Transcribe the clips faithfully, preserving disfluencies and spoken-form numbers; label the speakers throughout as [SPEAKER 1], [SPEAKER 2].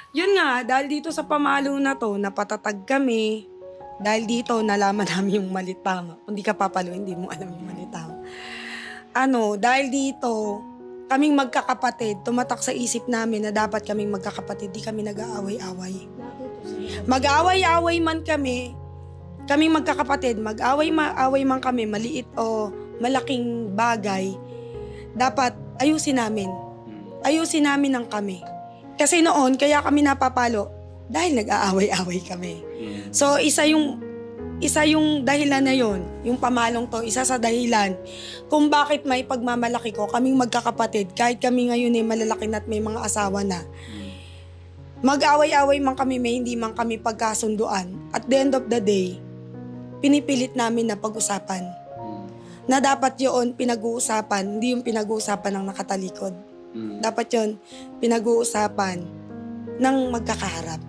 [SPEAKER 1] Yun nga, dahil dito sa pamalo na 'to, napatatag kami. Dahil dito nalaman namin yung mali tama. Kung di ka papalo, hindi mo alam yung mali tama. Ano, dahil dito, kaming magkakapatid, tumatak sa isip namin na dapat kaming magkakapatid, di kami nag-aaway-away. Mag-aaway-away man kami, kaming magkakapatid, mag-away-away man kami, maliit o malaking bagay, dapat ayusin namin. Ayusin namin ang kami. Kasi noon, kaya kami napapalo, dahil nag-aaway-away kami. So, isa yung isa yung dahilan na yon, yung pamalong to, isa sa dahilan kung bakit may pagmamalaki ko, kaming magkakapatid, kahit kami ngayon ay malalaki na at may mga asawa na, mag-away-away man kami, may hindi man kami pagkasunduan. At the end of the day, pinipilit namin na pag-usapan. Na dapat yun pinag-uusapan, hindi yung pinag-uusapan ng nakatalikod. Dapat yun pinag-uusapan ng magkakaharap.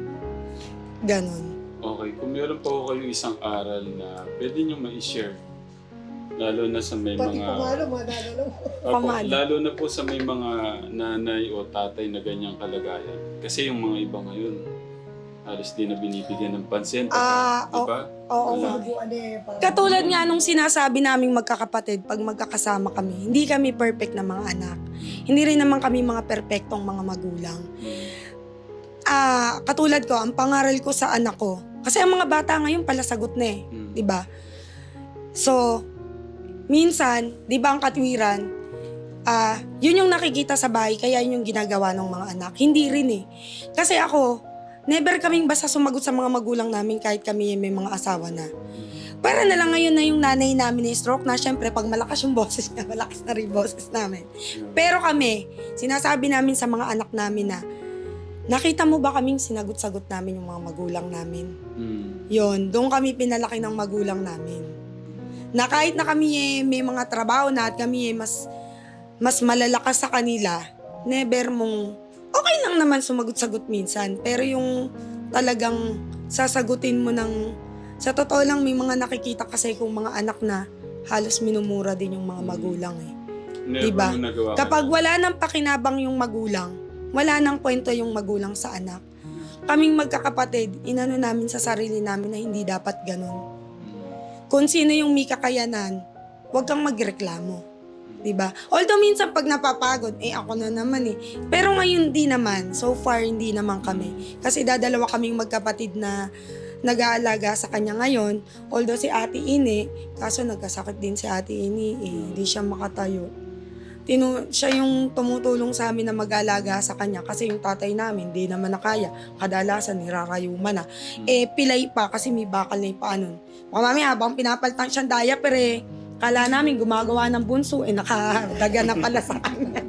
[SPEAKER 1] Ganon.
[SPEAKER 2] Okay, kung meron pa ko kayong isang aral na pwede nyo ma-share, lalo na sa may
[SPEAKER 3] Pati
[SPEAKER 2] mga...
[SPEAKER 3] pamalo, madadalo mo.
[SPEAKER 2] Opo,
[SPEAKER 1] Pamalo.
[SPEAKER 2] lalo na po sa may mga nanay o tatay na ganyang kalagayan. Kasi yung mga iba ngayon, halos di na binibigyan ng pansin.
[SPEAKER 1] Ah,
[SPEAKER 2] di ba?
[SPEAKER 1] Oo
[SPEAKER 2] Wala.
[SPEAKER 1] nga.
[SPEAKER 3] Subuan eh. parang-
[SPEAKER 1] Katulad nga nung sinasabi naming magkakapatid pag magkakasama kami, hindi kami perfect na mga anak. Hindi rin naman kami mga perpektong mga magulang. Ah, katulad ko, ang pangaral ko sa anak ko, kasi ang mga bata ngayon pala sagot na eh,
[SPEAKER 2] Mm.
[SPEAKER 1] 'di ba? So, minsan, 'di ba ang katwiran, ah, yun yung nakikita sa bahay, kaya yun yung ginagawa ng mga anak. Hindi rin eh. Kasi ako, never kaming basta sumagot sa mga magulang namin kahit kami may mga asawa na. Para na lang ngayon na yung nanay namin ni stroke na, syempre pag malakas yung boses niya, malakas na rin boses namin. Pero kami, sinasabi namin sa mga anak namin na, nakita mo ba kaming sinagot-sagot namin yung mga magulang namin?
[SPEAKER 2] Mm.
[SPEAKER 1] Yon, doon kami pinalaki ng magulang namin. Na kahit na kami eh, may mga trabaho na at kami eh, mas, mas malalakas sa kanila, never mong, okay lang naman sumagot-sagot minsan, pero yung talagang sasagutin mo ng, sa totoo lang may mga nakikita kasi kung mga anak na halos minumura din yung mga magulang eh.
[SPEAKER 2] Never
[SPEAKER 1] Diba?
[SPEAKER 2] mo nagawa.
[SPEAKER 1] Kapag wala nang pakinabang yung magulang, wala nang kwento yung magulang sa anak. Kaming magkakapatid, inano namin sa sarili namin na hindi dapat ganun. Kung sino yung may kakayanan, huwag kang magreklamo. Diba? Although minsan pag napapagod, eh ako na naman eh. Pero ngayon di naman, so far hindi naman kami. Kasi dadalawa kaming magkapatid na nag-aalaga sa kanya ngayon. Although si Ate Ini, kaso nagkasakit din si Ate Ini, eh, hindi siya makatayo. Tinu siya yung tumutulong sa amin na mag-alaga sa kanya kasi yung tatay namin di naman nakaya. Kadalasan nirarayuman na. Eh pilay pa kasi may bakal na yung paa nun. Mga mami, habang pinapalitan siyang diaper eh, kala namin gumagawa ng bunso eh nakadaga na pala sa kanya.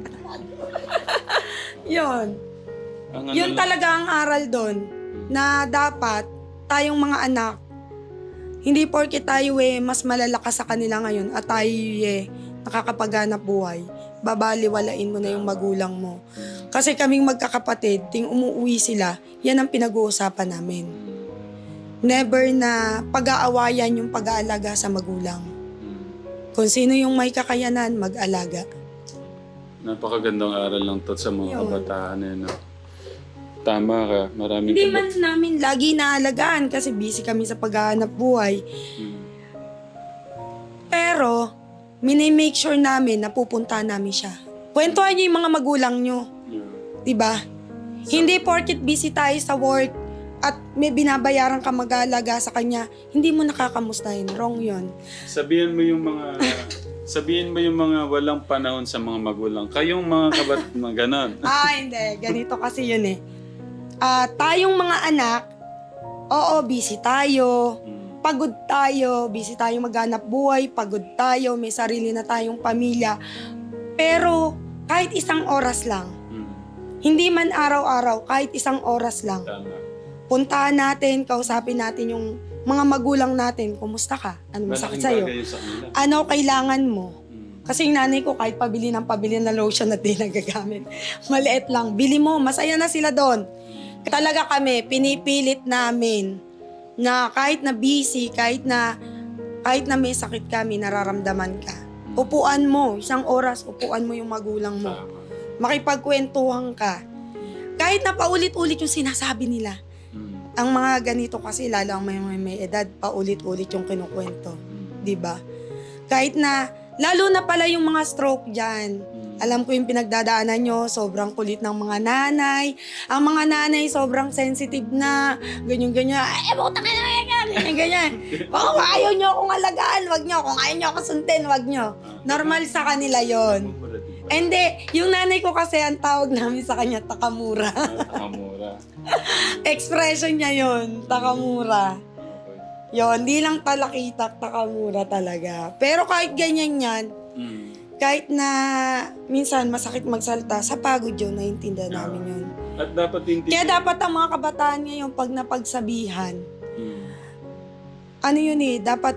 [SPEAKER 1] Yun.
[SPEAKER 2] Ang ano
[SPEAKER 1] Yun
[SPEAKER 2] lang-
[SPEAKER 1] talaga ang aral doon na dapat tayong mga anak, hindi porke tayo eh mas malalakas sa kanila ngayon at tayo eh nakakapaghanap buhay, babaliwalain mo na yung magulang mo. Kasi kaming magkakapatid, ting umuwi sila, yan ang pinag-uusapan namin. Never na pag-aawayan yung pag-aalaga sa magulang.
[SPEAKER 2] Mm.
[SPEAKER 1] Kung sino yung may kakayanan, mag-alaga.
[SPEAKER 2] Napakagandang aral lang to sa mga
[SPEAKER 1] Yun.
[SPEAKER 2] kabataan eh, no? Tama ka, maraming
[SPEAKER 1] Hindi
[SPEAKER 2] kabat-
[SPEAKER 1] man namin lagi naalagaan kasi busy kami sa paghahanap buhay.
[SPEAKER 2] Mm.
[SPEAKER 1] Pero, minimake sure namin na pupunta namin siya. Kwentuhan niyo yung mga magulang niyo.
[SPEAKER 2] Yeah.
[SPEAKER 1] Diba? Hindi porket busy tayo sa work at may binabayaran ka mag-aalaga sa kanya, hindi mo nakakamustahin. Wrong yun.
[SPEAKER 2] Sabihin mo yung mga sabihin mo yung mga walang panahon sa mga magulang. Kayong mga kabat mga ganon.
[SPEAKER 1] Ah, hindi. Ganito kasi yun eh. Ah, tayong mga anak, oo, busy tayo.
[SPEAKER 2] Mm.
[SPEAKER 1] Pagod tayo, busy tayo maghanap buhay, pagod tayo, may sarili na tayong pamilya. Pero kahit isang oras lang,
[SPEAKER 2] Mm.
[SPEAKER 1] hindi man araw-araw, kahit isang oras lang,
[SPEAKER 2] Tama.
[SPEAKER 1] puntahan natin, kausapin natin yung mga magulang natin, kumusta ka? Ano masakit
[SPEAKER 2] Malaking
[SPEAKER 1] sa'yo?
[SPEAKER 2] bagay yun sa kanila.
[SPEAKER 1] Ano kailangan mo?
[SPEAKER 2] Mm.
[SPEAKER 1] Kasi yung nanay ko, kahit pabili ng pabili na lotion at di nagagamit, maliit lang. Bili mo, masaya na sila doon. Talaga kami, pinipilit namin na kahit na busy, kahit na kahit na may sakit kami, nararamdaman ka. Upuan mo, isang oras, upuan mo yung magulang mo.
[SPEAKER 2] Tama.
[SPEAKER 1] Makipagkwentuhan ka. kahit na paulit-ulit yung sinasabi nila.
[SPEAKER 2] Mm.
[SPEAKER 1] Ang mga ganito kasi, lalo ang may, may, may edad, paulit-ulit yung kinukwento.
[SPEAKER 2] Mm.
[SPEAKER 1] Di ba? Kahit na, lalo na pala yung mga stroke dyan.
[SPEAKER 2] Mm.
[SPEAKER 1] Alam ko yung pinagdadaanan nyo, sobrang kulit ng mga nanay. Ang mga nanay, sobrang sensitive na. Ganyan-ganyan. Ay, buta ka na, ganyan-ganyan. Baka kung ayaw nyo akong alagaan, wag nyo. Kung ayaw nyo ako sundin, wag nyo. Normal sa kanila yon. Hindi, yung nanay ko kasi, ang tawag namin sa kanya, takamura.
[SPEAKER 2] Takamura.
[SPEAKER 1] Expression niya yon, takamura.
[SPEAKER 2] Okay.
[SPEAKER 1] Yon, di lang talakitak, takamura talaga. Pero kahit ganyan yan,
[SPEAKER 2] Mm.
[SPEAKER 1] kahit na minsan masakit magsalta, sa pagod yun, naiintindihan namin yun.
[SPEAKER 2] At dapat hindi...
[SPEAKER 1] Kaya dapat ang mga kabataan ngayon, pag napagsabihan,
[SPEAKER 2] Mm.
[SPEAKER 1] ano yun eh, dapat,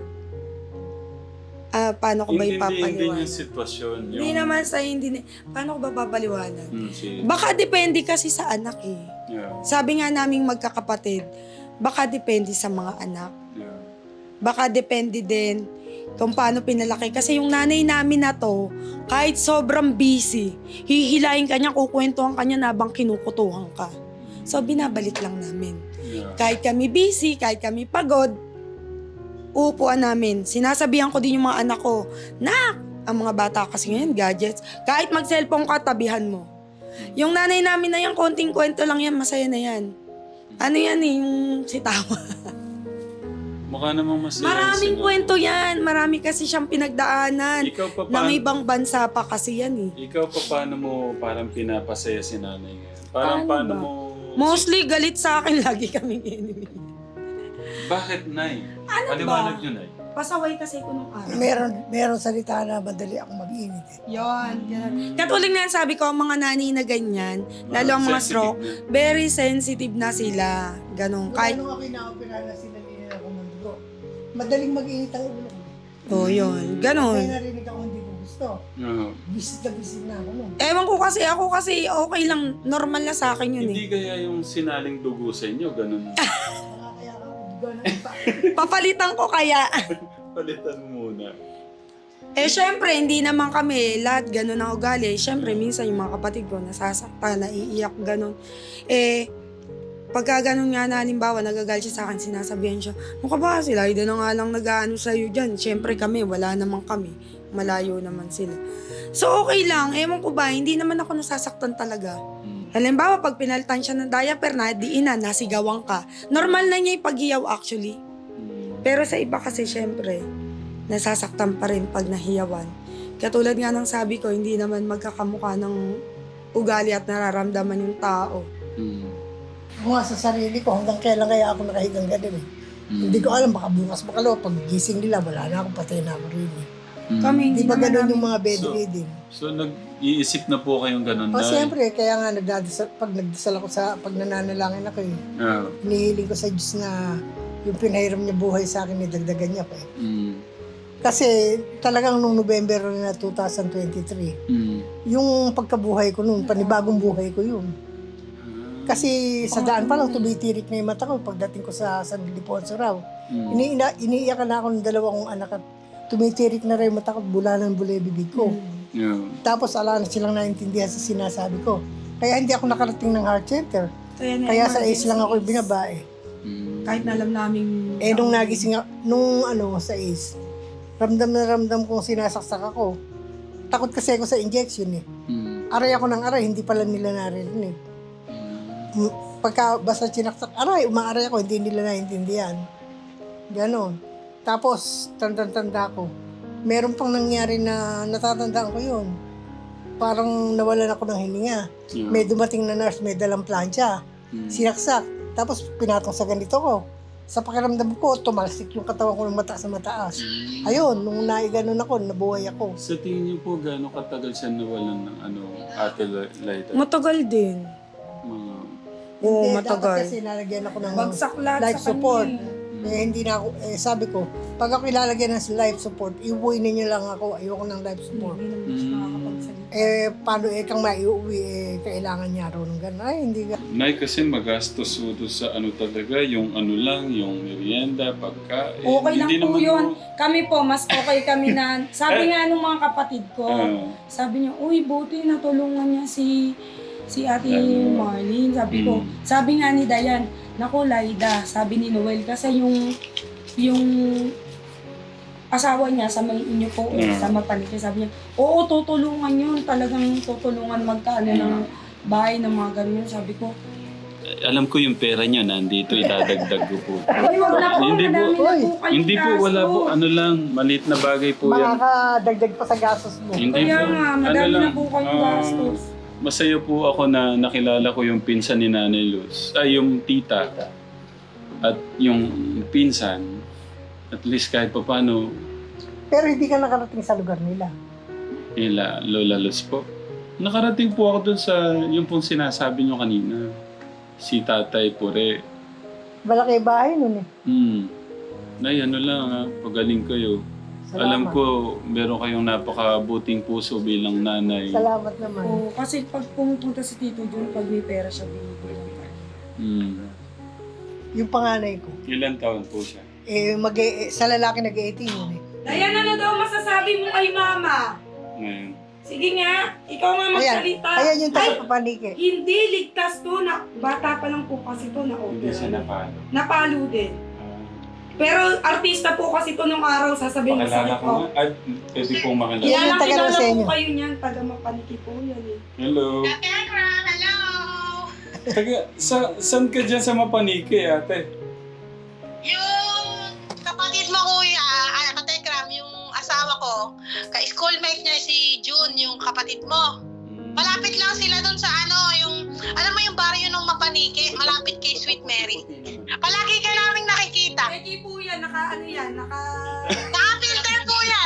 [SPEAKER 1] ah, paano ko ba
[SPEAKER 2] Hindi, hindi, hindi
[SPEAKER 1] ipapaliwanag?
[SPEAKER 2] yung sitwasyon. Yung...
[SPEAKER 1] Hindi naman sa hindi, na- paano ko ba papaliwanag?
[SPEAKER 2] Mm, si...
[SPEAKER 1] Baka depende kasi sa anak eh.
[SPEAKER 2] Yeah.
[SPEAKER 1] Sabi nga naming magkakapatid, baka depende sa mga anak.
[SPEAKER 2] Yeah.
[SPEAKER 1] Baka depende din kung paano pinalaki. Kasi yung nanay namin na to, kahit sobrang busy, hihilahin ka niya, kukwentuhan ka niya na habang kinukutuhan ka. So, binabalik lang namin.
[SPEAKER 2] Yeah.
[SPEAKER 1] Kahit kami busy, kahit kami pagod, uupuan namin. Sinasabihan ko din yung mga anak ko, Nak, ang mga bata kasi ngayon, gadgets, kahit mag-cellphone ka, tabihan mo. Yung nanay namin na yan, konting kwento lang yan, masaya na yan. Ano yan eh, yung sitawa.
[SPEAKER 2] Mukha namang masaya.
[SPEAKER 1] Maraming
[SPEAKER 2] sila.
[SPEAKER 1] kwento yan. Marami kasi siyang pinagdaanan.
[SPEAKER 2] Ikaw pa
[SPEAKER 1] Ng
[SPEAKER 2] paano,
[SPEAKER 1] ibang bansa pa kasi yan eh.
[SPEAKER 2] ikaw pa paano mo parang pinapasaya si nanay ngayon? Parang
[SPEAKER 1] Paano
[SPEAKER 2] paano
[SPEAKER 1] ba?
[SPEAKER 2] mo...
[SPEAKER 1] Mostly galit sa akin, lagi kaming enemy.
[SPEAKER 2] Bakit, Nay?
[SPEAKER 1] Ano
[SPEAKER 2] Paliwanag
[SPEAKER 1] ba?
[SPEAKER 2] nyo, Nay.
[SPEAKER 1] Pasaway kasi ko nung araw.
[SPEAKER 3] Meron, meron salita na madali akong mag-init eh.
[SPEAKER 1] Yon, ganun. Katulad nga yan, sabi ko, ang mga nanay na ganyan, lalo ang mga
[SPEAKER 2] Sensitive
[SPEAKER 1] stroke,
[SPEAKER 2] na.
[SPEAKER 1] very sensitive na sila. Ganun.
[SPEAKER 3] Kahit
[SPEAKER 1] Kahit,
[SPEAKER 3] nung ako inaopera na sinalina ako ng dugo, madaling mag-init ang ulo ko.
[SPEAKER 1] oh yun, ganun.
[SPEAKER 3] Kaya narinig ako hindi ko gusto.
[SPEAKER 2] Oo.
[SPEAKER 3] Bisit na bisit na ako nun.
[SPEAKER 1] Ewan ko kasi, ako kasi okay lang, normal na sa akin yun
[SPEAKER 2] Hindi
[SPEAKER 1] eh.
[SPEAKER 2] kaya yung sinaling dugo sa inyo, ganun.
[SPEAKER 3] Kaya kaya ako dugo na pa.
[SPEAKER 1] Papalitan ko kaya.
[SPEAKER 2] Palitan muna.
[SPEAKER 1] Eh, syempre, hindi naman kami lahat ganun ang ugali. Syempre, minsan yung mga kapatid ko nasasaktan, naiiyak, ganun. Eh, pagka ganun nga na, halimbawa, nagagal siya sa akin, sinasabihan siya, mukha ba sila, hindi na nga lang nag-ano sa'yo dyan. Syempre kami, wala naman kami. Malayo naman sila. So, okay lang. Ewan ko ba, hindi naman ako nasasaktan talaga.
[SPEAKER 2] Mm.
[SPEAKER 1] Halimbawa, pag pinalitan siya ng diaper na, diinan, nasigawan ka. Normal na niya ipaghiyaw actually.
[SPEAKER 2] Mm.
[SPEAKER 1] Pero sa iba kasi, syempre, nasasaktan pa rin pag nahiyawan. Katulad nga ng sabi ko, hindi naman magkakamukha ng ugali at nararamdaman yung tao.
[SPEAKER 2] Mm.
[SPEAKER 3] Ako nga sa sarili ko, hanggang kailan kaya ako nakahigang ganun eh.
[SPEAKER 2] Mm.
[SPEAKER 3] Hindi ko alam, baka bukas makalaw, pag gising nila, wala na ako, patay na ako rin eh.
[SPEAKER 2] Mm.
[SPEAKER 1] Kami,
[SPEAKER 3] Hindi ba
[SPEAKER 1] naman
[SPEAKER 3] ganun
[SPEAKER 1] namin-
[SPEAKER 3] yung mga bedridden?
[SPEAKER 2] So, nag-iisip na po kayong ganun,
[SPEAKER 3] O
[SPEAKER 2] Nay?
[SPEAKER 3] siyempre, kaya nga nagdadasal, pag nagdasal ako sa, pag nananalangin ako eh,
[SPEAKER 2] Ah.
[SPEAKER 3] hinihiling ko sa Diyos na yung pinahiram niya buhay sa akin, idagdagan niya pa eh.
[SPEAKER 2] Mm.
[SPEAKER 3] Kasi talagang nung November na twenty twenty-three,
[SPEAKER 2] Mm.
[SPEAKER 3] yung pagkabuhay ko noon, panibagong buhay ko yun.
[SPEAKER 2] Ah.
[SPEAKER 3] Kasi sa daan pa lang tumitirik na yung mata ko pagdating ko sa San Ildefonso raw.
[SPEAKER 2] Mm.
[SPEAKER 3] Ini ina, iniiyakan na ako ng dalawa kong anak at tumitirik na rin yung mata ko, bula ng bula yung bibig ko.
[SPEAKER 2] Yeah.
[SPEAKER 3] Tapos ala na silang naintindihan sa sinasabi ko. Kaya hindi ako nakarating ng heart center.
[SPEAKER 1] Kaya, na-
[SPEAKER 3] Kaya sa A C E lang ako binabae.
[SPEAKER 2] Mm.
[SPEAKER 1] Kahit na alam namin...
[SPEAKER 3] Eh nung nagising ako, nung ano sa A C E, ramdam na ramdam kong sinasaksak ako. Takot kasi ako sa injection eh.
[SPEAKER 2] Mm.
[SPEAKER 3] Aray ako ng aray, hindi pala nila naririnig.
[SPEAKER 2] Mm.
[SPEAKER 3] M- Pagka basta sinaksak, aray, umaaray ako, hindi nila naintindihan. Ganon. Tapos, tanda-tanda ko. Meron pang nangyari na natatandaan ko yun. Parang nawalan ako ng hininga.
[SPEAKER 2] Yeah.
[SPEAKER 3] May dumating na nurse, may dalang plancha.
[SPEAKER 2] Mm.
[SPEAKER 3] Sinaksak. Tapos pinatong sa ganito ko. Sa pakiramdam ko, tumalsik yung katawan ko ng mataas na mataas.
[SPEAKER 2] Mm.
[SPEAKER 3] Ayun, nung naiganon ako, nabuhay ako.
[SPEAKER 2] Sa tingin niyo po, gaano katagal siya nawalan ng ano, Ate Laita?
[SPEAKER 1] Matagal din.
[SPEAKER 2] Mga...
[SPEAKER 1] Oo,
[SPEAKER 3] Hindi,
[SPEAKER 1] matagal.
[SPEAKER 3] Dapat kasi nalagyan ako ng
[SPEAKER 1] Bagsak lahat
[SPEAKER 3] life
[SPEAKER 1] sa
[SPEAKER 3] support.
[SPEAKER 1] kanya.
[SPEAKER 3] Eh, hindi na ako, eh, sabi ko, pag ako ilalagyan ng life support, iuwi ninyo lang ako, ayoko ng life support.
[SPEAKER 1] Hindi naman siya nakakapagsalita.
[SPEAKER 3] Eh, paano eh, kang maiuwi, eh, kailangan niya raw ng gano'n. Ay, hindi ga.
[SPEAKER 2] Nay, kasi magastos po doon sa ano talaga, yung ano lang, yung merienda, pagkain.
[SPEAKER 1] Okay lang
[SPEAKER 2] Hindi
[SPEAKER 1] po
[SPEAKER 2] naman
[SPEAKER 1] yun.
[SPEAKER 2] po-
[SPEAKER 1] Kami po, mas okay kami na... Sabi nga nung mga kapatid ko,
[SPEAKER 2] Ah.
[SPEAKER 1] sabi niya, uy, buti natulungan niya si Si Ate
[SPEAKER 2] Lalo.
[SPEAKER 1] Marlene, sabi ko,
[SPEAKER 2] Mm.
[SPEAKER 1] sabi nga ni Dayan, naku Laida, sabi ni Noel, kasi yung, yung asawa niya sa may inyo po, eh,
[SPEAKER 2] Mm.
[SPEAKER 1] sa Mapanike, sabi niya, oo, tutulungan yun, talagang tutulungan magkaano ng bahay ng mga ganyan. Sabi ko,
[SPEAKER 2] Alam ko yung pera niya nandito, idadagdag ko po.
[SPEAKER 1] ay, wag na po,
[SPEAKER 2] Hindi po.
[SPEAKER 1] madami na po kayong
[SPEAKER 2] Hindi po, wala po.
[SPEAKER 1] gastos.
[SPEAKER 2] Ano lang, maliit na bagay po yan.
[SPEAKER 3] Makakadagdag pa sa gastos mo.
[SPEAKER 2] Hindi
[SPEAKER 1] Kaya
[SPEAKER 2] po.
[SPEAKER 1] nga,
[SPEAKER 2] Ano
[SPEAKER 1] madami
[SPEAKER 2] lang,
[SPEAKER 1] na po kayong
[SPEAKER 2] ah,
[SPEAKER 1] gastos.
[SPEAKER 2] Masaya po ako na nakilala ko yung pinsan ni Nanay Luz. Ay, yung tita. At yung pinsan. At least kahit pa paano,
[SPEAKER 3] Pero hindi ka nakarating sa lugar nila.
[SPEAKER 2] nila Lola Luz po. Nakarating po ako dun sa yung pong sinasabi nyo kanina. Si Tatay Pure.
[SPEAKER 3] Malaki bahay nun eh.
[SPEAKER 2] Hmm. Nay, ano lang ha, pagaling kayo.
[SPEAKER 3] Salamat.
[SPEAKER 2] Alam ko, meron kayong napakabuting puso bilang nanay.
[SPEAKER 3] Salamat naman.
[SPEAKER 1] Oo, kasi pag pumupunta si Tito Jun, pag may pera siya, binibigyan tayo.
[SPEAKER 2] Hmm.
[SPEAKER 3] Yung panganay ko.
[SPEAKER 2] Ilan taon po siya?
[SPEAKER 3] Eh, mag eh, sa lalaki nag-eighteen yun eh.
[SPEAKER 1] Dayan, ano daw masasabi mo kay Mama?
[SPEAKER 2] Ngayon.
[SPEAKER 1] Sige nga, ikaw nga
[SPEAKER 3] Ayan,
[SPEAKER 1] magsalita.
[SPEAKER 3] ayan yung
[SPEAKER 1] Ay,
[SPEAKER 3] taga-papanike.
[SPEAKER 1] hindi, ligtas to. Na, bata pa lang po kasi to na
[SPEAKER 2] Hindi siya
[SPEAKER 1] opera.
[SPEAKER 2] napalo.
[SPEAKER 1] Napalo din.
[SPEAKER 2] Ah.
[SPEAKER 1] Pero artista po kasi to nung araw, sasabihin
[SPEAKER 2] Pakilala
[SPEAKER 1] masakit
[SPEAKER 2] ko
[SPEAKER 1] po.
[SPEAKER 2] nga. At pwede pong makilala.
[SPEAKER 3] Yan
[SPEAKER 1] Kilala,
[SPEAKER 3] yung taga
[SPEAKER 1] kilala
[SPEAKER 3] Roseño.
[SPEAKER 1] po kayo niyan. Taga Mapaniki po yan eh.
[SPEAKER 2] Hello.
[SPEAKER 4] Hello!
[SPEAKER 2] Taga, sa, saan ka dyan sa Mapanike, ate?
[SPEAKER 4] Yung kapatid mo kuya, ah, katekram, yung asawa ko, ka-schoolmate niya si June, yung kapatid mo. Malapit lang sila dun sa ano, yung, alam mo yung barrio ng Mapaniki, malapit kay Sweet Mary. Palagi ka naming nakikita.
[SPEAKER 1] Eki po yan, naka ano yan, naka...
[SPEAKER 4] Naka-filter po yan.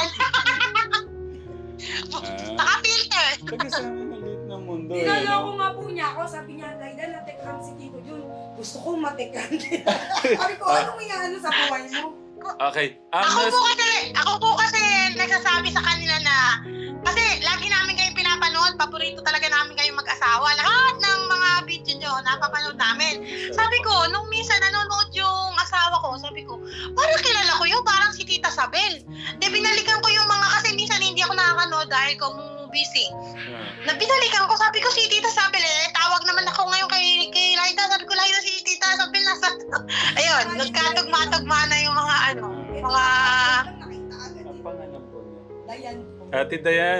[SPEAKER 2] Ah,
[SPEAKER 4] Naka-filter.
[SPEAKER 2] taga sa amin maliit ng mundo eh.
[SPEAKER 1] Niloloko
[SPEAKER 2] no?
[SPEAKER 1] nga po niya ako, sabi niya, Laida, natekram si Tito Jun. Gusto ko matekram din. Sabi ko, anong may ano sa buhay mo?
[SPEAKER 2] Okay. Ang
[SPEAKER 4] Ako
[SPEAKER 2] nas-
[SPEAKER 4] po kasi, ako po kasi nagsasabi sa kanila na, kasi lagi namin kayong pinapanood, paborito talaga namin kayong mag-asawa. Lahat ng mga video nyo, napapanood namin. Sabi ko, nung minsan nanonood yung asawa ko, sabi ko, parang kilala ko yun, parang si Tita Sabel. De, binalikan ko yung mga, kasi minsan hindi ako nakakanood dahil ko busy.
[SPEAKER 2] Ah.
[SPEAKER 4] Na binalikan ko, sabi ko si Tita Sabel, eh, tawag naman ako ngayon kay, kay Laida, sabi ko, Laida, si Tita Sabel nasa, ayun, nagkatugma-tugma na yung mga ano, mga,
[SPEAKER 1] Nakita agad
[SPEAKER 2] Ang
[SPEAKER 1] eh.
[SPEAKER 2] pangalan po niya.
[SPEAKER 1] Dayan po.
[SPEAKER 2] Ate Dayan.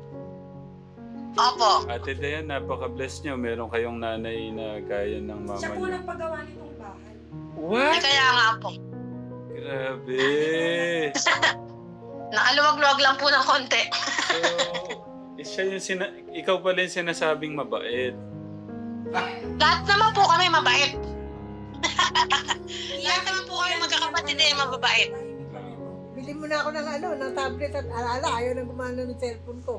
[SPEAKER 4] opo.
[SPEAKER 2] Ate Dayan, napaka-bless niyo. Meron kayong nanay na gaya ng mama
[SPEAKER 1] Siya po
[SPEAKER 2] niyo.
[SPEAKER 1] nagpagawa nitong bahay.
[SPEAKER 4] Eh,
[SPEAKER 2] What?
[SPEAKER 4] kaya nga po.
[SPEAKER 2] Grabe.
[SPEAKER 4] Nakaluwag-luwag lang po ng konti.
[SPEAKER 2] So, eh, siya yung sina- ikaw pala yung sinasabing mabait.
[SPEAKER 4] Lahat naman po kami mabait. Lahat naman po kami magkakapatid eh, mababait.
[SPEAKER 3] Bili mo na ako ng ano, ng tablet at alala, ayaw nang gumana ng cellphone ko.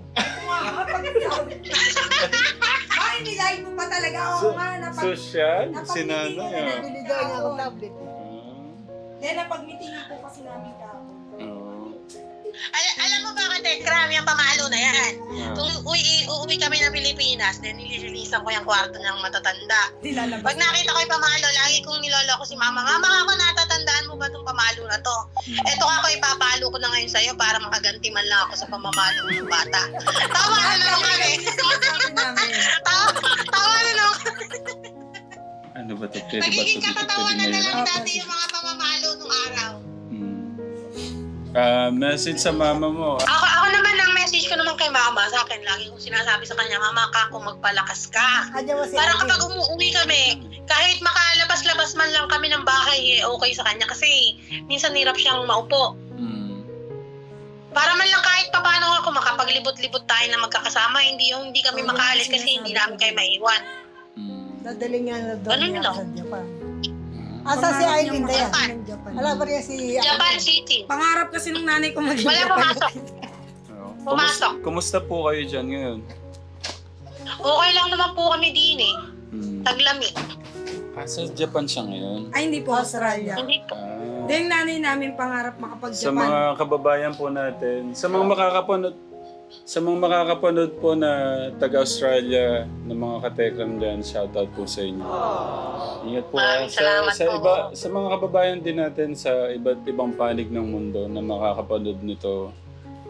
[SPEAKER 1] Ay, nilay mo pa talaga. Oo
[SPEAKER 2] So-
[SPEAKER 1] nga, napag...
[SPEAKER 2] Social?
[SPEAKER 1] napag-
[SPEAKER 2] Si nanay ah.
[SPEAKER 3] Bili daw niya akong tablet.
[SPEAKER 1] Then, napag-meetingan po kasi namin kahapon.
[SPEAKER 2] Oo.
[SPEAKER 4] Al- alam mo ba ka, Tekram, yung pamalo na yan.
[SPEAKER 2] Ah.
[SPEAKER 4] Kung uwi, uuwi kami ng Pilipinas, then nililinisan ko yung kwarto ng matatanda.
[SPEAKER 1] Dilalabas.
[SPEAKER 4] Pag nakita ko yung pamalo, lagi kong niloloko si mama, Mama, ako natatandaan mo ba itong pamalo na to? Eto ako, ipapalo ko na ngayon sa'yo para makaganti man lang ako sa pamamalo ng bata. Tawa na naman kami.
[SPEAKER 1] Sabi namin.
[SPEAKER 4] Tawa, tawa na naman.
[SPEAKER 2] Ano ba ito? Pwede ba ito
[SPEAKER 4] Nagiging
[SPEAKER 2] dito?
[SPEAKER 4] katatawanan na lang
[SPEAKER 1] Opo.
[SPEAKER 4] dati yung mga pamamalo nung araw.
[SPEAKER 2] Hmm. Ah, message sa mama mo.
[SPEAKER 4] Ako, ako naman, ang message ko naman kay mama, sa akin, lagi kong sinasabi sa kanya, Mama ka, kung magpalakas ka.
[SPEAKER 3] Kanya mo si
[SPEAKER 4] Para
[SPEAKER 3] Ate.
[SPEAKER 4] kapag umuwi kami, kahit makalabas-labas man lang kami ng bahay, eh, okay sa kanya. Kasi minsan hirap siyang maupo.
[SPEAKER 2] Hmm.
[SPEAKER 4] Para man lang kahit papano ako makapaglibot-libot tayo na magkakasama, hindi yung hindi kami
[SPEAKER 1] Oo,
[SPEAKER 4] makaalis
[SPEAKER 1] yung
[SPEAKER 4] kasi hindi
[SPEAKER 1] sinasabi
[SPEAKER 4] namin
[SPEAKER 1] ko.
[SPEAKER 4] kayo maiwan.
[SPEAKER 2] Hmm.
[SPEAKER 3] Dadaling nga na doon
[SPEAKER 4] Ganun
[SPEAKER 3] niya
[SPEAKER 4] lang.
[SPEAKER 3] sa Japan.
[SPEAKER 2] Hmm.
[SPEAKER 3] Asa si Aileen
[SPEAKER 1] Pangarap
[SPEAKER 3] Dayan?
[SPEAKER 1] niya ng Japan.
[SPEAKER 3] Wala ba rin si
[SPEAKER 4] Japan City.
[SPEAKER 1] Pangarap kasi nung nanay ko maging
[SPEAKER 4] Wala
[SPEAKER 1] Japan.
[SPEAKER 4] pumasok.
[SPEAKER 2] Oo.
[SPEAKER 4] Pumasok.
[SPEAKER 2] Kumusta, kumusta po kayo dyan ngayon?
[SPEAKER 4] Okay lang naman po kami din eh.
[SPEAKER 2] Hmm.
[SPEAKER 4] Taglamig.
[SPEAKER 2] Ah, sa Japan siya ngayon?
[SPEAKER 1] Ay, hindi po, Australia.
[SPEAKER 4] Hindi po.
[SPEAKER 2] Ah.
[SPEAKER 1] Dahil yung nanay namin pangarap
[SPEAKER 2] Sa
[SPEAKER 1] makapag-Japan.
[SPEAKER 2] mga kababayan po natin, sa mga makakapanood, sa mga makakapanood po na taga-Australia ng mga katekram dyan, shoutout po sa inyo. Ingat po. ah.
[SPEAKER 4] Maraming
[SPEAKER 2] Sa,
[SPEAKER 4] salamat
[SPEAKER 2] sa,
[SPEAKER 4] po.
[SPEAKER 2] iba, sa mga kababayan din natin sa iba't ibang panig ng mundo na makakapanood nito,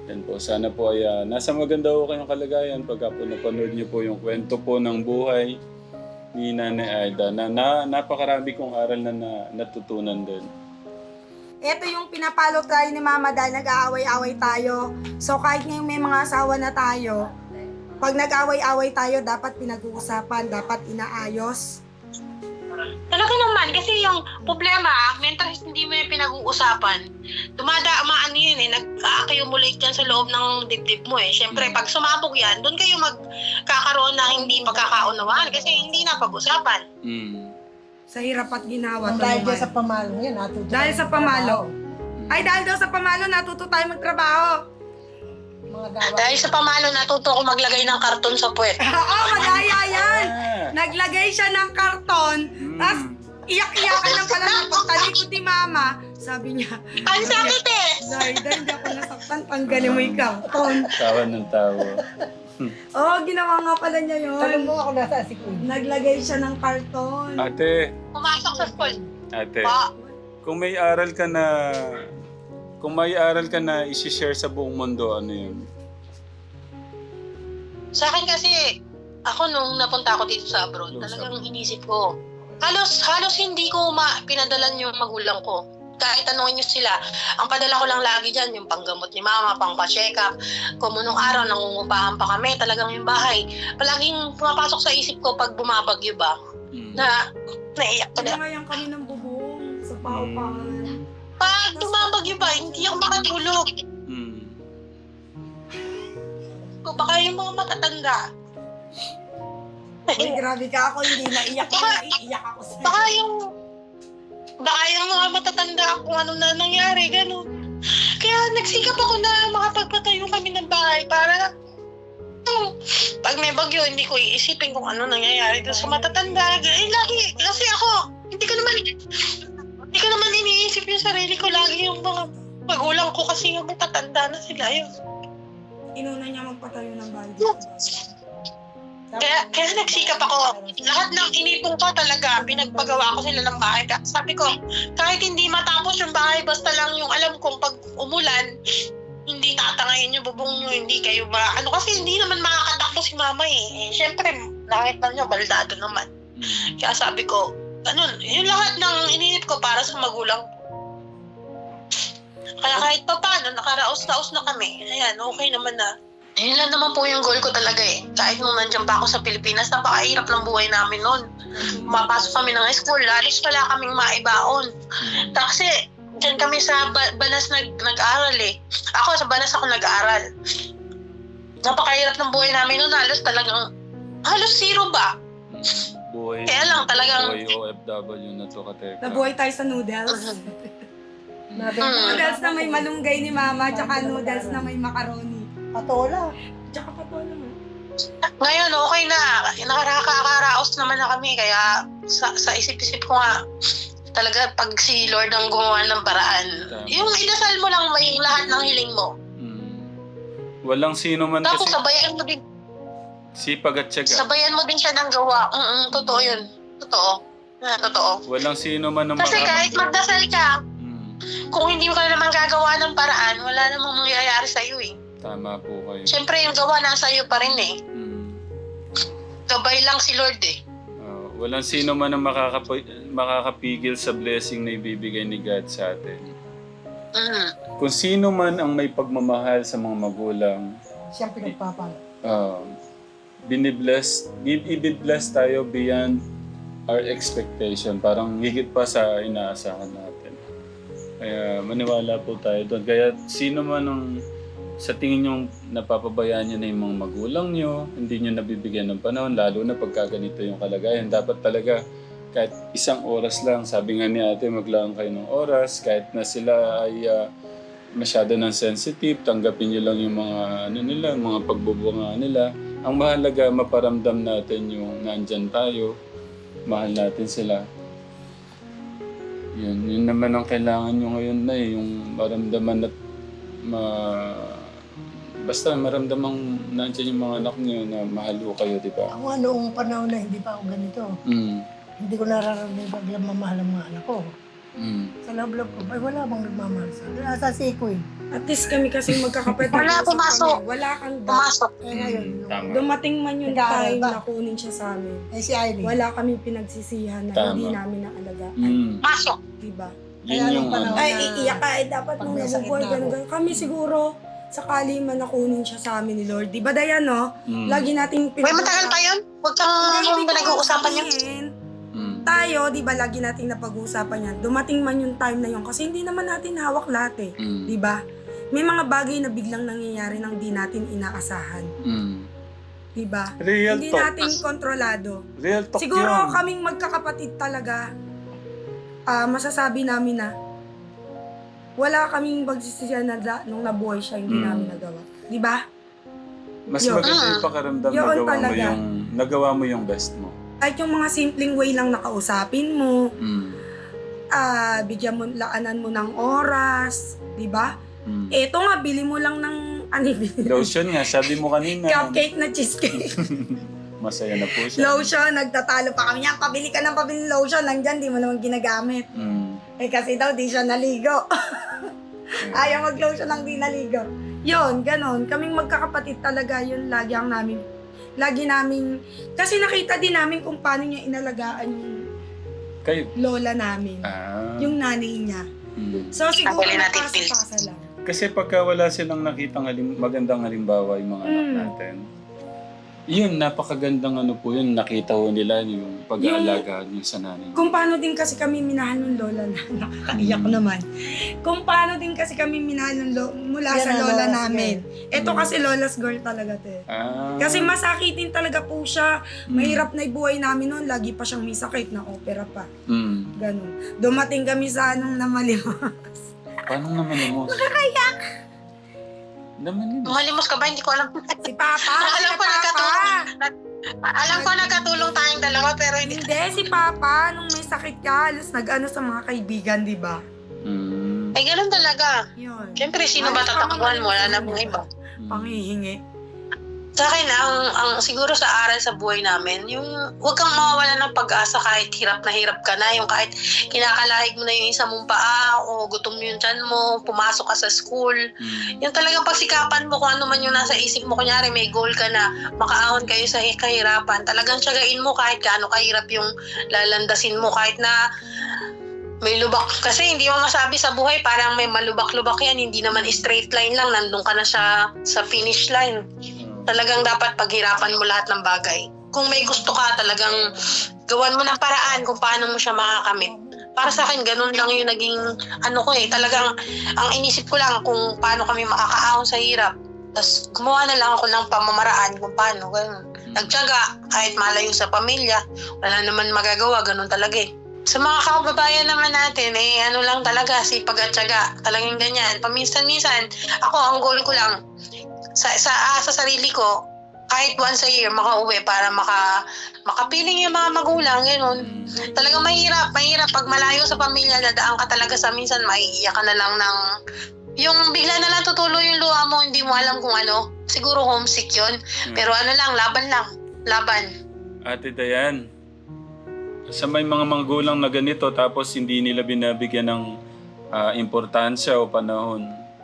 [SPEAKER 2] Yan po, sana po ay ah, nasa maganda po kayong kalagayan pagka po napanood niyo po yung kwento po ng buhay ni Nanay Aida na, na napakarami kong aral na, na natutunan din.
[SPEAKER 1] Ito yung pinapalo tayo ni Mama dahil nag-aaway-away tayo. So kahit ngayon may mga asawa na tayo, pag nag-aaway-away tayo, dapat pinag-uusapan, dapat inaayos.
[SPEAKER 4] Talaga naman, kasi yung problema, mental health hindi mo yung pinag-uusapan. Tumada, maano yun eh, nag-accumulate yan sa loob ng dibdib mo eh. Siyempre, pag sumabog yan, doon kayo magkakaroon ng hindi pagkakaunawaan kasi hindi na pag-usapan.
[SPEAKER 2] Mm.
[SPEAKER 1] Sa hirap at ginawa.
[SPEAKER 3] Ang dahil
[SPEAKER 1] tulungan.
[SPEAKER 3] dyan sa pamalo yan, natuto.
[SPEAKER 1] Dahil sa pamalo. Ay, dahil daw sa pamalo, natuto tayo magtrabaho.
[SPEAKER 3] Mga gawa.
[SPEAKER 4] Dahil sa pamalo, natuto ko maglagay ng karton sa puwet.
[SPEAKER 1] Oo, madaya yan.
[SPEAKER 2] Ah.
[SPEAKER 1] Naglagay siya ng karton,
[SPEAKER 2] Mm.
[SPEAKER 1] tapos iyak-iyakan ng pala ng pagtalikod ni Mama. Sabi niya,
[SPEAKER 4] Ang sakit eh!
[SPEAKER 1] dahil dahil hindi ako nasaktan, tanggalin mo yung karton.
[SPEAKER 2] Tawa ng tawa.
[SPEAKER 1] Oo, ginawa nga pala niya
[SPEAKER 3] Tanong
[SPEAKER 1] yun.
[SPEAKER 3] mo ako nasa si Queen.
[SPEAKER 1] Naglagay siya ng karton.
[SPEAKER 2] Ate,
[SPEAKER 4] Pumasok sa school.
[SPEAKER 2] ate,
[SPEAKER 4] Pa,
[SPEAKER 2] kung may aral ka na, kung may aral ka na isi-share sa buong mundo, ano yun?
[SPEAKER 4] sa akin kasi, ako nung napunta ako dito sa abroad,
[SPEAKER 2] Nung sa
[SPEAKER 4] talagang inisip ko, halos, halos hindi ko ma pinadalan yung magulang ko. Kahit tanongin nyo sila, ang padala ko lang lagi dyan, yung panggamot ni Mama, pang pa-check up. Kung nung araw, nangungupahan pa kami, talagang yung bahay. Palaging pumapasok sa isip ko pag bumabagyo ba,
[SPEAKER 2] Mm.
[SPEAKER 4] na naiyak ko na.
[SPEAKER 1] Ngayon kami ng bubong sa paupahan.
[SPEAKER 4] Pag bumabagyo ba, hindi ako makatulog.
[SPEAKER 2] Mm.
[SPEAKER 4] Kung baka yung mga matatanda,
[SPEAKER 1] Uy, grabe ka ako, hindi naiyak ako, naiiyak ako sa'yo.
[SPEAKER 4] baka yung, baka yung mga matatanda kung ano na nangyari, gano'n. Kaya nagsikap ako na makapagpatayo kami ng bahay para hmm, pag may bagyo, hindi ko iisipin kung ano nangyayari doon sa matatanda. Eh, lagi, kasi ako, hindi ko naman, hindi ko naman iniisip yung sarili ko. Lagi yung mga magulang ko kasi yung matatanda na sila yun.
[SPEAKER 1] Inuna niya magpatayo ng bahay.
[SPEAKER 4] Kaya, kaya nagsikap ako. Lahat ng inipon ko talaga, pinagpagawa ko sila ng bahay. Kaya sabi ko, kahit hindi matapos yung bahay, basta lang yung alam kong pag umulan, hindi tatangayin yung bubong nyo, hindi kayo ba, ano kasi hindi naman makakatakbo si Mama eh. eh Siyempre, nakita nyo, baldado naman.
[SPEAKER 2] Mm.
[SPEAKER 4] Kaya sabi ko, ganun, yung lahat ng iniisip ko para sa magulang ko. Kaya kahit pa paano, nakaraos-raos na kami. Ayan, okay naman na. Yun lang naman po yung goal ko talaga eh. Kahit nung nandiyan pa ako sa Pilipinas, napakahirap ng buhay namin noon. Mapasok kami ng school, lalis wala kaming maibaon. Kasi dyan kami sa ba- Banas nag- nag-aral eh. Ako sa Banas ako nag-aral. Napakahirap ng buhay namin noon, halos talagang, halos zero ba?
[SPEAKER 2] Buhay,
[SPEAKER 4] Kaya lang talagang,
[SPEAKER 2] buhay O F W na to, kateka.
[SPEAKER 1] Nabuhay tayo sa noodles.
[SPEAKER 3] Nabi,
[SPEAKER 4] Mm.
[SPEAKER 1] Noodles na may malunggay ni Mama, tsaka noodles na may macaroni.
[SPEAKER 3] patola.
[SPEAKER 1] Tsaka patola mo.
[SPEAKER 4] ngayon okay na. Nakakaraos naman na kami. Kaya sa, sa isip-isip ko nga, talaga pag si Lord ang gumawa ng paraan,
[SPEAKER 2] Tama.
[SPEAKER 4] yung idasal mo lang may lahat ng hiling mo.
[SPEAKER 2] Mm. Walang sino man
[SPEAKER 4] Tapos
[SPEAKER 2] kasi
[SPEAKER 4] sabayan mo din,
[SPEAKER 2] sipag at tiyaga.
[SPEAKER 4] sabayan mo din siya ng gawa. Mm totoo yun. Totoo. Ah, totoo.
[SPEAKER 2] Walang sino man ang
[SPEAKER 4] Kasi kahit magdasal ka,
[SPEAKER 2] Mm.
[SPEAKER 4] kung hindi mo ka naman gagawa ng paraan, wala namang mangyayari sa'yo eh.
[SPEAKER 2] Tama po kayo.
[SPEAKER 4] Siyempre yung gawa nasa iyo pa rin eh.
[SPEAKER 2] Mm.
[SPEAKER 4] Gabay lang si Lord eh.
[SPEAKER 2] Uh, walang sino man ang makakap- makakapigil sa blessing na ibibigay ni God sa atin.
[SPEAKER 4] Mm.
[SPEAKER 2] Kung sino man ang may pagmamahal sa mga magulang,
[SPEAKER 3] Siyang pinagpapala.
[SPEAKER 2] uh, binibless, i- ibibless tayo beyond our expectation. Parang higit pa sa inaasahan natin. Kaya maniwala po tayo doon. Kaya sino man ang sa tingin nyo napapabayaan nyo na yung mga magulang nyo, hindi nyo nabibigyan ng panahon, lalo na pagka ganito yung kalagayan. Dapat talaga kahit isang oras lang, sabi nga ni ate, maglaan kayo ng oras, kahit na sila ay uh, masyado ng sensitive, tanggapin nyo lang yung mga, ano nila, mga pagbubunga nila. Ang mahalaga, maparamdam natin yung nandyan tayo, mahal natin sila. Yun, yun naman ang kailangan nyo ngayon na eh, yung maramdaman at ma... Basta maramdamang nandiyan yung mga anak niyo na mahal ko kayo, di ba?
[SPEAKER 3] Ako nga noong panahon na hindi pa ako ganito.
[SPEAKER 2] Mm.
[SPEAKER 3] Hindi ko nararamdaman pag mamahal ang mga anak ko.
[SPEAKER 2] Mm.
[SPEAKER 3] Sa loob-loob ko, ay wala bang nagmamahal sa akin. Nasa siko eh.
[SPEAKER 1] At least kami kasi magkakapatid.
[SPEAKER 4] Wala,
[SPEAKER 1] nag-usap
[SPEAKER 4] pumasok.
[SPEAKER 1] kami. Wala kang doubt.
[SPEAKER 4] Pumasok.
[SPEAKER 3] Eh ngayon,
[SPEAKER 2] Mm, tama.
[SPEAKER 1] Dumating man yung
[SPEAKER 3] Nag-aaral
[SPEAKER 1] time
[SPEAKER 3] ba?
[SPEAKER 1] na kunin siya sa amin.
[SPEAKER 3] eh si Aileen.
[SPEAKER 1] Wala kaming pinagsisihan na
[SPEAKER 2] Tama.
[SPEAKER 1] hindi namin naalagaan.
[SPEAKER 2] Mm.
[SPEAKER 4] Pasok.
[SPEAKER 1] Diba?
[SPEAKER 2] Yun
[SPEAKER 3] Kaya
[SPEAKER 2] yung
[SPEAKER 3] nung panahon-
[SPEAKER 2] ano.
[SPEAKER 1] Ay,
[SPEAKER 3] na-
[SPEAKER 1] iiyak ka. Eh, dapat
[SPEAKER 3] pag
[SPEAKER 1] nung
[SPEAKER 3] may sakit
[SPEAKER 1] nabubuhay,
[SPEAKER 3] na
[SPEAKER 1] ganun,
[SPEAKER 3] ako.
[SPEAKER 1] ganun. Kami siguro, sakali man nakunin siya sa amin ni Lord. Di ba, Dayan, no?
[SPEAKER 2] Mm.
[SPEAKER 1] Lagi nating
[SPEAKER 4] Uy, matagal pa yun. Huwag kang
[SPEAKER 1] Hindi,
[SPEAKER 4] pinag-uusapan yun.
[SPEAKER 1] sabihin.
[SPEAKER 2] Mm.
[SPEAKER 1] Tayo, di ba, lagi nating napag-uusapan yan. Dumating man yung time na yun. Kasi hindi naman natin hawak lahat eh.
[SPEAKER 2] Mm.
[SPEAKER 1] Di ba? May mga bagay na biglang nangyayari nang di natin inaasahan.
[SPEAKER 2] Mm.
[SPEAKER 1] Di ba?
[SPEAKER 2] Real
[SPEAKER 1] Hindi
[SPEAKER 2] talk.
[SPEAKER 1] natin kontrolado.
[SPEAKER 2] Real talk
[SPEAKER 1] Siguro
[SPEAKER 2] yun.
[SPEAKER 1] kaming magkakapatid talaga, ah, masasabi namin na wala kaming pagsisisihan na da, nung nabuhay siya, hindi
[SPEAKER 2] Mm.
[SPEAKER 1] namin nagawa. Di ba?
[SPEAKER 2] Mas
[SPEAKER 1] Yun.
[SPEAKER 2] maganda yung pakiramdam
[SPEAKER 1] Yun
[SPEAKER 2] nagawa mo
[SPEAKER 1] talaga.
[SPEAKER 2] yung, nagawa mo yung best mo.
[SPEAKER 1] Kahit yung mga simpleng way lang nakausapin mo,
[SPEAKER 2] Mm.
[SPEAKER 1] ah, bigyan mo, laanan mo ng oras, di ba?
[SPEAKER 2] Mm.
[SPEAKER 1] Eto nga, bili mo lang ng, ano bili?
[SPEAKER 2] Lotion nga, sabi mo kanina.
[SPEAKER 1] Cupcake na cheesecake.
[SPEAKER 2] Masaya na po siya.
[SPEAKER 1] Lotion, nagtatalo pa kami yan. Pabili ka ng pabili ng lotion, nandyan, di mo naman ginagamit.
[SPEAKER 2] Mm.
[SPEAKER 1] Eh kasi daw, di siya naligo. Ayaw mag-lotion ng di naligo. Yun, ganon. Kaming magkakapatid talaga, yun lagi ang namin. Lagi namin, kasi nakita din namin kung paano niya inalagaan yung
[SPEAKER 2] Kayo.
[SPEAKER 1] lola namin.
[SPEAKER 2] Ah.
[SPEAKER 1] Yung nanay niya.
[SPEAKER 2] Mm.
[SPEAKER 1] So siguro
[SPEAKER 4] Tanggalin natin
[SPEAKER 1] napasa-pasa lang.
[SPEAKER 2] Kasi pagka wala silang nakitang halim, magandang halimbawa yung mga anak
[SPEAKER 1] Mm.
[SPEAKER 2] natin, yun, napakagandang ano po yun, nakita ho nila yung pag-aalaga niyo sa nanay.
[SPEAKER 1] Kung paano din kasi kami minahal ng lola na, nakakaiyak
[SPEAKER 2] Mm.
[SPEAKER 1] naman. Kung paano din kasi kami minahal ng lo, mula
[SPEAKER 3] Yan
[SPEAKER 1] sa
[SPEAKER 3] ang
[SPEAKER 1] lola
[SPEAKER 3] Lola's
[SPEAKER 1] namin. Ito
[SPEAKER 2] Mm.
[SPEAKER 1] kasi lola's girl talaga, te.
[SPEAKER 2] Ah.
[SPEAKER 1] Kasi masakitin talaga po siya.
[SPEAKER 2] Mm.
[SPEAKER 1] Mahirap na ibuhay namin noon. Lagi pa siyang may sakit na opera pa.
[SPEAKER 2] Mm.
[SPEAKER 1] Ganun. Dumating kami sa anong namalimas.
[SPEAKER 2] Paano naman mo? Nakakayak! Naman yun.
[SPEAKER 4] Malimos ka ba? Hindi ko alam.
[SPEAKER 1] Si Papa.
[SPEAKER 4] alam
[SPEAKER 1] si
[SPEAKER 4] ko
[SPEAKER 1] Papa.
[SPEAKER 4] nagkatulong. nag- Alam ko nagkatulong tayong dalawa pero hindi.
[SPEAKER 1] Hindi, si Papa. Nung may sakit ka, alas nag-ano sa mga kaibigan, di ba?
[SPEAKER 2] Mm.
[SPEAKER 4] Ay, ganun talaga.
[SPEAKER 1] Yun.
[SPEAKER 4] Siyempre, sino ba
[SPEAKER 1] Ayos pa
[SPEAKER 4] tatakbuhan mo? Wala
[SPEAKER 1] mamalimas
[SPEAKER 4] na pong iba.
[SPEAKER 2] Mm.
[SPEAKER 1] Panghihingi.
[SPEAKER 4] Sa akin, ang, ang siguro sa aral sa buhay namin, yung huwag kang mawawala ng pag-asa kahit hirap na hirap ka na, yung kahit kinakalahig mo na yung isa mong paa o gutom yung tiyan mo, pumasok ka sa school.
[SPEAKER 2] Mm.
[SPEAKER 4] Yung talagang pagsikapan mo kung ano man yung nasa isip mo, kunyari may goal ka na makaahon kayo sa kahirapan, talagang tiyagain mo kahit gaano kahirap yung lalandasin mo, kahit na may lubak. Kasi hindi mo masabi sa buhay, parang may malubak-lubak yan, hindi naman straight line lang, nandun ka na siya sa finish line. Talagang dapat paghirapan mo lahat ng bagay. Kung may gusto ka, talagang gawan mo ng paraan kung paano mo siya makakamit. Para sa akin, ganun lang yung naging ano ko eh. Talagang ang inisip ko lang kung paano kami makakaahon sa hirap. Tapos gumawa na lang ako ng pamamaraan kung paano. Ganun. Nagtiyaga, kahit malayo sa pamilya, wala naman magagawa, ganun talaga eh. Sa mga kababayan naman natin, eh ano lang talaga, sipag at tiyaga. Talagang ganyan. Paminsan-minsan, ako ang goal ko lang, sa sa, ah, sa sarili ko, kahit once a year makauwi para maka makapiling yung mga magulang, gano'n.
[SPEAKER 2] Mm.
[SPEAKER 4] Talagang mahirap, mahirap pag malayo sa pamilya, dadaan ka talaga sa minsan maiiyak ka na lang ng yung bigla na lang tutuloy yung luha mo, hindi mo alam kung ano. Siguro homesick yun. Pero ano lang, laban lang. Laban.
[SPEAKER 2] Ate Dayan, sa may mga magulang na ganito tapos hindi nila binabigyan ng ah, importansya o panahon.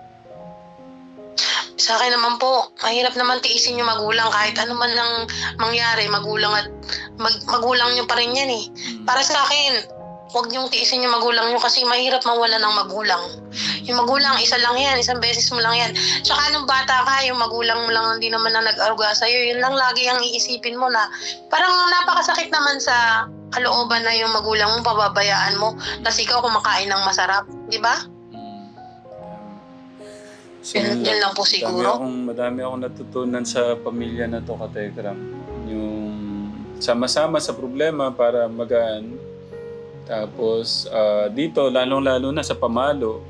[SPEAKER 4] Sa akin naman po, mahirap naman tiisin yung magulang kahit ano man lang mangyari, magulang at mag, magulang nyo pa rin yan eh.
[SPEAKER 2] Mm.
[SPEAKER 4] Para sa akin, huwag niyong tiisin yung magulang nyo kasi mahirap mawala ng magulang. Yung magulang, isa lang yan, isang beses mo lang yan. Tsaka nung bata ka, yung magulang mo lang hindi naman na nag-aruga sa'yo, yun lang lagi ang iisipin mo na parang napakasakit naman sa kalooban na yung magulang mo, pababayaan mo, tapos ikaw kumakain ng masarap, di ba?
[SPEAKER 2] So,
[SPEAKER 4] Yan- yan lang po siguro.
[SPEAKER 2] Madami akong, madami akong natutunan sa pamilya na to, Katekram. Yung sama-sama sa problema para magaan. Tapos ah, dito, lalong-lalo na sa pamalo.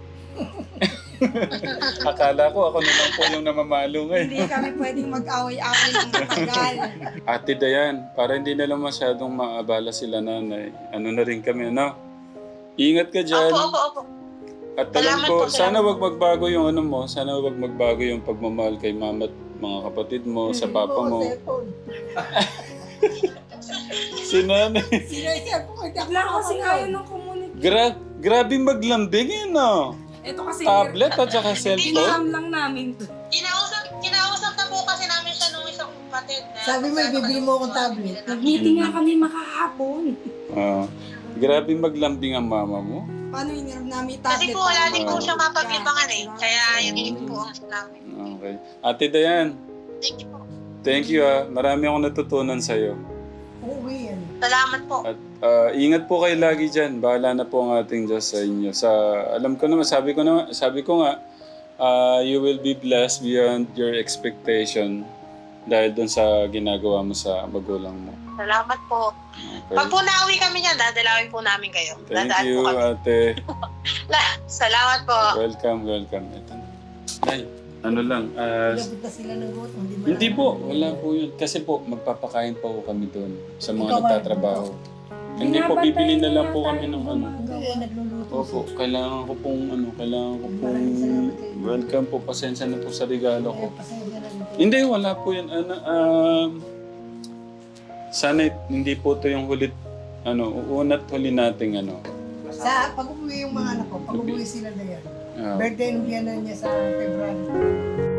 [SPEAKER 2] Akala ko ako na lang po yung namamalo ngayon.
[SPEAKER 1] Hindi kami pwedeng mag-away-away ng matagal.
[SPEAKER 2] Ate Dayan, para hindi na lang masyadong maabala sila nanay. Ano na rin kami, ano? Ingat ka dyan.
[SPEAKER 4] Opo, opo, opo.
[SPEAKER 2] At alam
[SPEAKER 4] Salamat
[SPEAKER 2] ko,
[SPEAKER 4] po,
[SPEAKER 2] sana
[SPEAKER 4] salamat.
[SPEAKER 2] wag magbago yung ano mo, sana wag magbago yung pagmamahal kay mama at mga kapatid mo, sa papa
[SPEAKER 3] Oo,
[SPEAKER 2] mo.
[SPEAKER 3] cellphone.
[SPEAKER 2] Si nanay.
[SPEAKER 3] Sino yung cellphone? Hindi ako
[SPEAKER 1] Wala kasi
[SPEAKER 3] makakalaw.
[SPEAKER 1] ayaw ng communicate.
[SPEAKER 2] Gra grabe maglambing yun, no?
[SPEAKER 1] Ito kasi
[SPEAKER 2] Tablet at saka cellphone.
[SPEAKER 1] Iniham lang namin to.
[SPEAKER 4] Kinausap, kinausap na po kasi namin siya nung isang kapatid na...
[SPEAKER 3] Sabi mo, bibili mo akong tablet.
[SPEAKER 1] Nag-meeting nga kami makahapon.
[SPEAKER 2] Ah, grabe maglambing ang mama mo.
[SPEAKER 1] Paano hiniram namin yung
[SPEAKER 4] Kasi
[SPEAKER 1] tablet?
[SPEAKER 4] po wala
[SPEAKER 1] para
[SPEAKER 4] din po
[SPEAKER 2] Ah.
[SPEAKER 4] siya mapaglibangan eh. Kaya yun din po ang namin.
[SPEAKER 2] Okay. Ate Dayan,
[SPEAKER 4] Thank you po.
[SPEAKER 2] thank you ah. Marami akong natutunan sa'yo.
[SPEAKER 3] Uuwi yan.
[SPEAKER 4] Salamat po.
[SPEAKER 2] At ah, ingat po kayo lagi dyan. Bahala na po ang ating Diyos sa inyo. Sa, alam ko naman, sabi ko, naman, sabi ko nga, ah, you will be blessed beyond your expectation dahil dun sa ginagawa mo sa magulang mo.
[SPEAKER 4] Salamat po.
[SPEAKER 2] Okay.
[SPEAKER 4] Pag po nauwi kami niyan, dadalawin po namin kayo.
[SPEAKER 2] Thank
[SPEAKER 4] Dadaan
[SPEAKER 2] you,
[SPEAKER 4] po kami.
[SPEAKER 2] ate.
[SPEAKER 4] Salamat po.
[SPEAKER 2] Welcome, welcome. Ito na. Nay, ano lang, ah,
[SPEAKER 3] Labot na sila ng gutom. Hindi, mo
[SPEAKER 2] hindi
[SPEAKER 3] na-
[SPEAKER 2] po, wala po yun. Kasi po, magpapakain pa po kami doon sa mga
[SPEAKER 3] Ikaw,
[SPEAKER 2] nagtatrabaho. Hindi po,
[SPEAKER 1] Binabantayan
[SPEAKER 2] bibili na lang
[SPEAKER 1] nga
[SPEAKER 2] po
[SPEAKER 1] tayo
[SPEAKER 2] kami ng ano.
[SPEAKER 3] Hindi, nagluluto.
[SPEAKER 2] Opo, kailangan ko pong ano, kailangan ko pong
[SPEAKER 3] Maraming salamat kayo.
[SPEAKER 2] welcome po, pasensya na po sa regalo ko.
[SPEAKER 3] Eh, pasensya na rin.
[SPEAKER 2] Hindi, wala po yan. Ano, um, sana hindi po to yung hulit, ano, uunat huli nating ano.
[SPEAKER 3] Sa pag-uwi yung mga anak ko, pag-uwi sila na yan.
[SPEAKER 2] ah,
[SPEAKER 3] Birthday nung biyanan niya sa February.